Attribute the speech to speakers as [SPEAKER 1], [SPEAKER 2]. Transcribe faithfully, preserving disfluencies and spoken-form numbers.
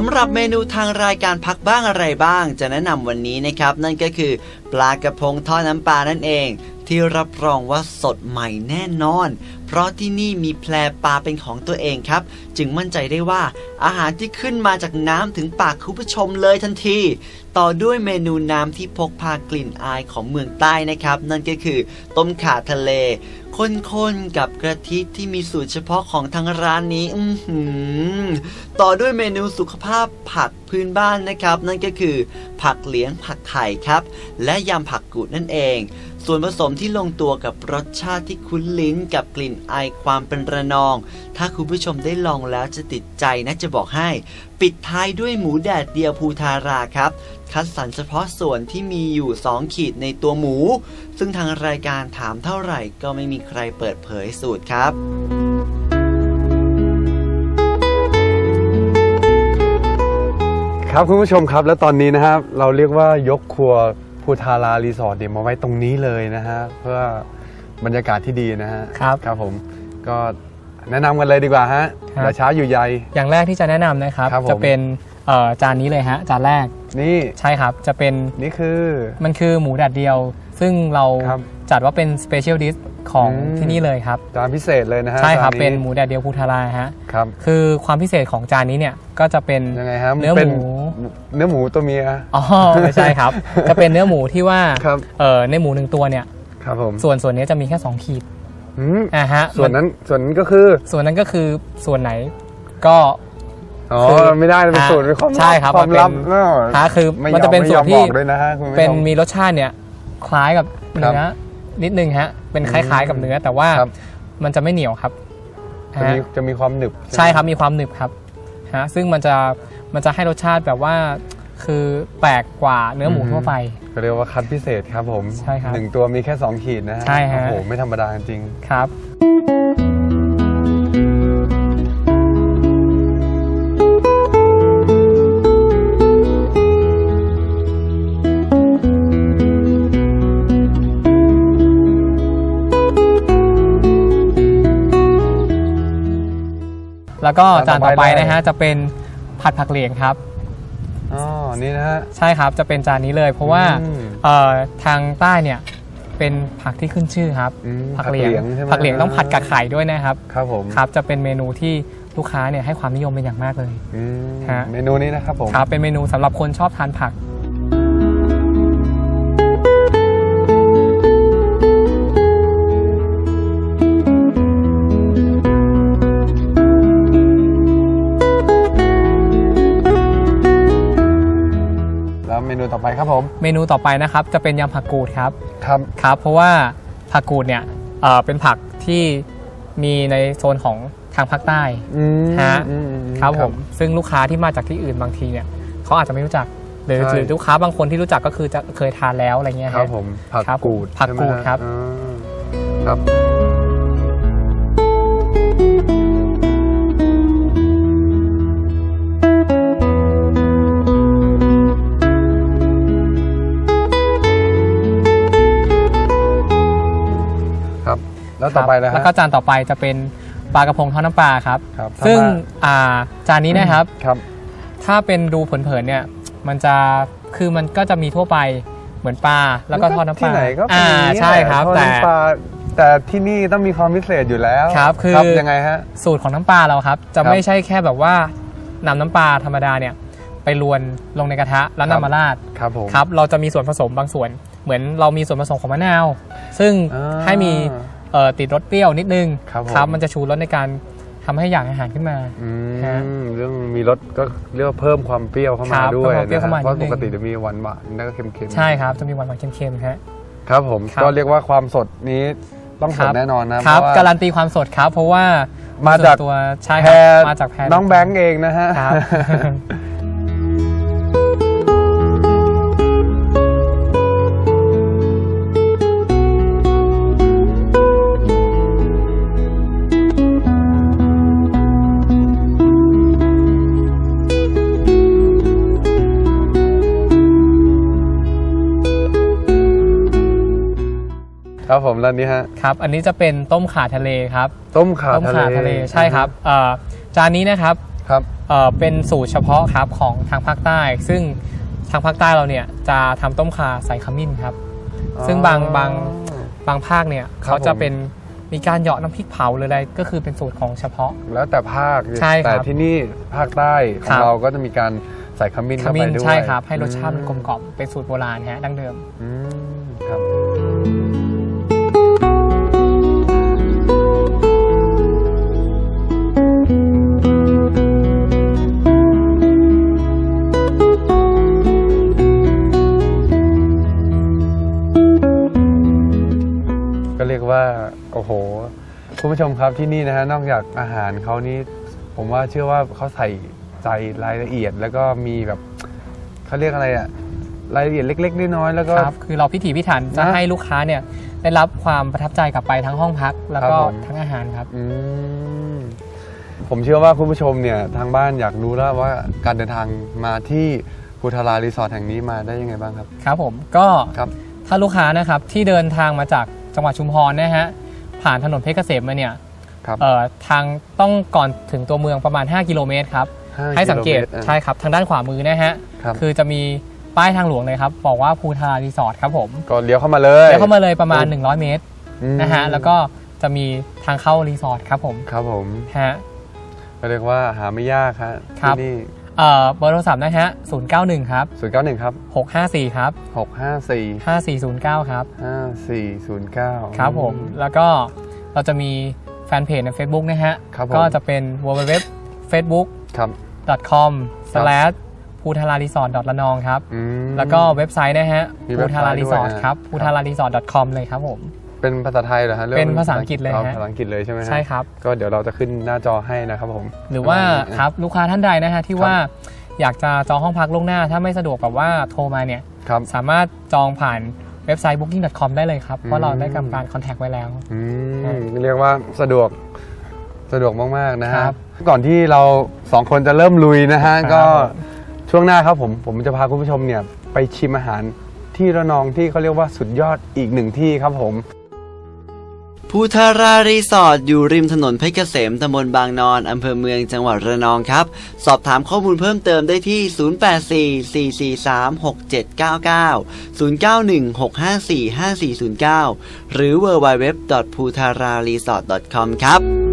[SPEAKER 1] ำหรับเมนูทางรายการพักบ้างอะไรบ้างจะแนะนำวันนี้นะครับนั่นก็คือปลากระพงทอดน้ำปลานั่นเองที่รับรองว่าสดใหม่แน่นอนเพราะที่นี่มีแพปลาเป็นของตัวเองครับจึงมั่นใจได้ว่าอาหารที่ขึ้นมาจากน้ำถึงปากคุณผู้ชมเลยทันทีต่อด้วยเมนูน้ำที่พกพากลิ่นอายของเมืองใต้นะครับนั่นก็คือต้มข่าทะเลข้นๆกับกะทิที่มีสูตรเฉพาะของทางร้านนี้อื้อหือต่อด้วยเมนูสุขภาพผักพื้นบ้านนะครับนั่นก็คือผักเหลียงผักไข่ครับและยำผักกูดนั่นเองส่วนผสมที่ลงตัวกับรสชาติที่คุ้นลิ้นกับกลิ่นอายความเป็นระนองถ้าคุณผู้ชมได้ลองแล้วจะติดใจนะจะบอกให้ปิดท้ายด้วยหมูแดดเดียวภูทาราครับคัดสรรเฉพาะส่วนที่มีอยู่สองขีดในตัวหมูซึ่งทางรายการถามเท่าไหร่ก็ไม่มีใครเปิดเผยสูตรครับ
[SPEAKER 2] ครับคุณผู้ชมครับและตอนนี้นะครับเราเรียกว่ายกครัวภูทารารีสอร์ทเนี่ยมาไว้ตรงนี้เลยนะฮะเพื่อบรรยากาศที่ดีนะฮะ
[SPEAKER 3] ครับ
[SPEAKER 2] ครับผมก็แนะนำกันเลยดีกว่าฮะอย่าช้าอยู่ใย
[SPEAKER 3] อย่างแรกที่จะแนะนำนะครับจะเป็นจานนี้เลยฮะจานแรก
[SPEAKER 2] นี่
[SPEAKER 3] ใช่ครับจะเป็น
[SPEAKER 2] นี่คือ
[SPEAKER 3] มันคือหมูแดดเดียวซึ่งเราจัดว่าเป็นสเปเชียลดิชของที่นี่เลยครับ
[SPEAKER 2] จานพิเศษเลยนะฮะ
[SPEAKER 3] ใช่ครับเป็นหมูแดดเดียวภูทาราฮะ
[SPEAKER 2] ครับ
[SPEAKER 3] คือความพิเศษของจานนี้เนี่ยก็จะเป็นเนื้อหมู
[SPEAKER 2] เนื้อหมูตัวเมีย
[SPEAKER 3] อ๋อไม่ใช่ครับจะเป็นเนื้อหมูที่ว่าเออในหมูหนึ่งตัวเนี่ย
[SPEAKER 2] ครับผม
[SPEAKER 3] ส่วนส่วนนี้จะมีแค่สองขีด
[SPEAKER 2] อ่าฮะส่วนนั้นส่วนนั้นก็คือ
[SPEAKER 3] ส่วนนั้นก็คือส่วนไหนก็
[SPEAKER 2] อ๋อไม่ได้เป็นสูตรเป็นความลับ
[SPEAKER 3] ใช่ครับ
[SPEAKER 2] ความลับเนาะ
[SPEAKER 3] คือมันจะเป็นสูตรที่เป็นมีรสชาติเนี่ยคล้ายกับเนื้อนิดนึงฮะเป็นคล้ายๆกับเนื้อแต่ว่ามันจะไม่เหนียวครับ
[SPEAKER 2] จะมีจะมีความหนึบ
[SPEAKER 3] ใช่ครับมีความหนึบครับฮะซึ่งมันจะมันจะให้รสชาติแบบว่าคือแปลกกว่าเนื้อหมูทั่วไป
[SPEAKER 2] เรียกว่าคัดพิเศษครับผม
[SPEAKER 3] ใช่ครับ
[SPEAKER 2] หนึ่งตัวมีแค่สองขีดนะฮะ
[SPEAKER 3] ใช่ฮะ
[SPEAKER 2] โอ้โหไม่ธรรมดาจริง
[SPEAKER 3] ครับแล้วก็จานต่อไปนะฮะจะเป็นผัดผักเหลียงครับ
[SPEAKER 2] อ๋อนี่นะฮะ
[SPEAKER 3] ใช่ครับจะเป็นจานนี้เลยเพราะว่าทางใต้เนี่ยเป็นผักที่ขึ้นชื่อครับผักเหลียงผักเหลียงต้องผัดกับไข่ด้วยนะครับ
[SPEAKER 2] ครับผม
[SPEAKER 3] ครับจะเป็นเมนูที่ลูกค้าเนี่ยให้ความนิยมเป็นอย่างมากเลย
[SPEAKER 2] ฮะเมนูนี้นะครับผม
[SPEAKER 3] ครับเป็นเมนูสำหรับคนชอบทานผัก
[SPEAKER 2] เมนูต่อไปครับผม
[SPEAKER 3] เมนูต่อไปนะครับจะเป็นยำผักกูดครับ
[SPEAKER 2] ครับ
[SPEAKER 3] ครับเพราะว่าผักกูดเนี่ยเอ่อเป็นผักที่มีในโซนของทางภาคใต้ฮะครับผมซึ่งลูกค้าที่มาจากที่อื่นบางทีเนี่ยเขาอาจจะไม่รู้จักหรือหรือลูกค้าบางคนที่รู้จักก็คือจะเคยทานแล้วอะไรเงี้ย
[SPEAKER 2] ครับผมผักกูด
[SPEAKER 3] ผักกูดครับ
[SPEAKER 2] ครับแล้วต่อไปนะฮะ
[SPEAKER 3] แล้วก็จานต่อไปจะเป็นปลากระพงทอดน้ำปลาครับซึ่งจานนี้นะครับถ้าเป็นดูเผินๆเนี่ยมันจะคือมันก็จะมีทั่วไปเหมือนปลาแล้วก็ทอดน้ำปลา
[SPEAKER 2] ที่ไหนก็
[SPEAKER 3] อ่าใช่ครับแต่
[SPEAKER 2] แต่ที่นี่ต้องมีความพิเศษอยู่แล้ว
[SPEAKER 3] ครับคือ
[SPEAKER 2] ยังไงฮะ
[SPEAKER 3] สูตรของน้ำปลาเราครับจะไม่ใช่แค่แบบว่านำน้ำปลาธรรมดาเนี่ยไปรวนลงในกระทะแล้วนำมาราด
[SPEAKER 2] ครับผม
[SPEAKER 3] ครับเราจะมีส่วนผสมบางส่วนเหมือนเรามีส่วนผสมของมะนาวซึ่งให้มีติดรสเปรี้ยวนิดนึงครับมันจะชูรสในการทำให้อยากอาหารขึ้นมา
[SPEAKER 2] เรื่องมีรสก็เรียกว่าเพิ่มความเปรี้ยวเข้ามาด้วยนะเพราะปกติจะมีหวานหวานแล้วก็เค็ม
[SPEAKER 3] ๆใช่ครับจะมีหวานหวานเค็มๆครับ
[SPEAKER 2] ครับผมก็เรียกว่าความสดนี้ต้องสดแน่นอน
[SPEAKER 3] นะครับการันตีความสดครับเพราะว่า
[SPEAKER 2] มาจาก
[SPEAKER 3] ตัวใช่
[SPEAKER 2] ครับ
[SPEAKER 3] มาจากแพร
[SPEAKER 2] น้องแบงค์เองนะฮะครับผมร้านนี้ฮะ
[SPEAKER 3] ครับอันนี้จะเป็นต้มข่าทะเลครับ
[SPEAKER 2] ต้มข่า
[SPEAKER 3] ทะเลใช่ครับจานนี้นะครับ
[SPEAKER 2] ครับ
[SPEAKER 3] เอ่อเป็นสูตรเฉพาะครับของทางภาคใต้ ซึ่งทางภาคใต้เราเนี่ยจะทำต้มข่าใส่ขมิ้นครับซึ่งบางบางบางภาคเนี่ยเขาจะเป็นมีการเหยาะน้ำพริกเผาหรืออะไรก็คือเป็นสูตรของเฉพาะ
[SPEAKER 2] แล้วแต่ภาค
[SPEAKER 3] ใช่ครับ
[SPEAKER 2] แต่ที่นี่ภาคใต้ของเราก็จะมีการใส่ขมิ้น
[SPEAKER 3] ข
[SPEAKER 2] เข้าไป
[SPEAKER 3] มิ้น
[SPEAKER 2] ด้วย
[SPEAKER 3] ใช่ครับให้รสชาติมันกลมกล่อมเป็นสูตรโบราณฮะดั้งเดิม
[SPEAKER 2] อืมครับก็เรียกว่าโอ้โหคุณผู้ชมครับที่นี่นะฮะนอกจากอาหารเขานี่ผมว่าเชื่อว่าเขาใส่ใจรายละเอียดแล้วก็มีแบบเขาเรียกอะไรอะรายละเอียดเล็กๆน้อยๆแล้วก็
[SPEAKER 3] ครับคือเราพิถีพิถันจะ
[SPEAKER 2] นะ
[SPEAKER 3] ให้ลูกค้าเนี่ยได้รับความประทับใจกลับไปทั้งห้องพัก แล้วก็
[SPEAKER 2] ครับผม
[SPEAKER 3] ทั้งอาหารครับ
[SPEAKER 2] อืมผมเชื่อว่าคุณผู้ชมเนี่ยทางบ้านอยากรู้แล้วว่าการเดินทางมาที่ภูทารารีสอร์ทแห่งนี้มาได้ยังไงบ้างครับ
[SPEAKER 3] ครับผมก็
[SPEAKER 2] ครับ
[SPEAKER 3] ถ้าลูกค้านะครับที่เดินทางมาจากจังหวัดชุมพรนะฮะผ่านถนนเพชรเกษมมาเนี่ย
[SPEAKER 2] ครับ
[SPEAKER 3] เอ่อทางต้องก่อนถึงตัวเมืองประมาณห้ากิโลเมตรครับ
[SPEAKER 2] ห้า
[SPEAKER 3] ให้สังเกต
[SPEAKER 2] กิโลมตรอ่ะ
[SPEAKER 3] ใช่ครับทางด้านขวามือนะฮะ
[SPEAKER 2] ครับ
[SPEAKER 3] คือจะมีป้ายทางหลวงเลยครับบอกว่าภูทารารีสอร์ทครับผม
[SPEAKER 2] ก็เลี้ยวเข้ามาเลย
[SPEAKER 3] เลี้ยวเข้ามาเลยประมาณหนึ่งร้อยเมตร
[SPEAKER 2] อืม
[SPEAKER 3] นะฮะแล้วก็จะมีทางเข้ารีสอร์ทครับผม
[SPEAKER 2] ครับผม
[SPEAKER 3] ฮะ
[SPEAKER 2] ก็เรียกว่าหาไม่ยากครับ
[SPEAKER 3] ครับ
[SPEAKER 2] ที่นี่
[SPEAKER 3] เอ่อเบอร์โทรศัพท์นะฮะศูนย์เก้าหนึ่งครับ
[SPEAKER 2] ศูนย์เก้าหนึ่งครับ
[SPEAKER 3] หกห้าสี่ครับ
[SPEAKER 2] หกห้าสี่
[SPEAKER 3] ห้าสี่ศูนย์เก้าครับ
[SPEAKER 2] ห้าสี่ศูนย์เก้า
[SPEAKER 3] ครับผมแล้วก็เราจะมีแฟนเพจใน Facebook นะฮะ
[SPEAKER 2] ครับผม
[SPEAKER 3] ก็จะเป็น ดับเบิลยู ดับเบิลยู ดับเบิลยู ดอท เฟซบุ๊ก
[SPEAKER 2] ครับ
[SPEAKER 3] ดอท คอม สแลช ภูทารารีสอร์ท ระนองครับ
[SPEAKER 2] อืม
[SPEAKER 3] แล้วก็เว็บไซต์นะฮะ
[SPEAKER 2] มีเว็
[SPEAKER 3] ภู
[SPEAKER 2] บไซต์
[SPEAKER 3] ทารารีสอร์ท
[SPEAKER 2] ด้วยนะ
[SPEAKER 3] ครับ
[SPEAKER 2] ครับ
[SPEAKER 3] ภูทารารีสอร์ท .com เลยครับผม
[SPEAKER 2] เป็นภาษาไทยเหรอฮะ
[SPEAKER 3] เป็นภาษาอังกฤษเลยฮะ
[SPEAKER 2] อาภาษาอังกฤษเลยใช่ไหมฮะ
[SPEAKER 3] ใช่ครับ
[SPEAKER 2] ก็เดี๋ยวเราจะขึ้นหน้าจอให้นะครับผม
[SPEAKER 3] หรือว่า
[SPEAKER 2] ประมณนี้
[SPEAKER 3] ครับลูกค้าท่านใดนะฮะที่
[SPEAKER 2] ครับ
[SPEAKER 3] ว่าอยากจะจองห้องพักล่วงหน้า ถ้าไม่สะดวกแบบว่าโทรมาเนี่ย
[SPEAKER 2] ครับ
[SPEAKER 3] สามารถจองผ่านเว็บไซต์ บุ๊กิ้ง ดอท คอม ได้เลยครับ เพ
[SPEAKER 2] อื
[SPEAKER 3] ราะ
[SPEAKER 2] ม
[SPEAKER 3] เราได้กำการคอนแทคไว้แล้ว
[SPEAKER 2] อืม
[SPEAKER 3] ครับ
[SPEAKER 2] เรียกว่าสะดวกสะดวกมากๆนะฮะ
[SPEAKER 3] ครับ
[SPEAKER 2] ก่อนที่เราสองคนจะเริ่มลุยนะฮะ
[SPEAKER 3] ครับ
[SPEAKER 2] ก็ช่วงหน้าครับผมผมจะพาคุณผู้ชมเนี่ยไปชิมอาหารที่ระนองที่เขาเรียกว่าสุดยอดอีกหนึ่งที่ครับผม
[SPEAKER 1] ภูทารารีสอร์ทอยู่ริมถนนเพชรเกษมตำบลบางนอนอำเภอเมืองจังหวัดระนองครับสอบถามข้อมูลเพิ่มเติมได้ที่ ศูนย์ แปด สี่ สี่ สี่ สาม หก เจ็ด เก้า เก้า ศูนย์ เก้า หนึ่ง หก ห้า สี่ ห้า สี่ ศูนย์ เก้า หรือ ดับเบิลยู ดับเบิลยู ดับเบิลยู ดอท ภูทารารีสอร์ท ดอท คอม ครับ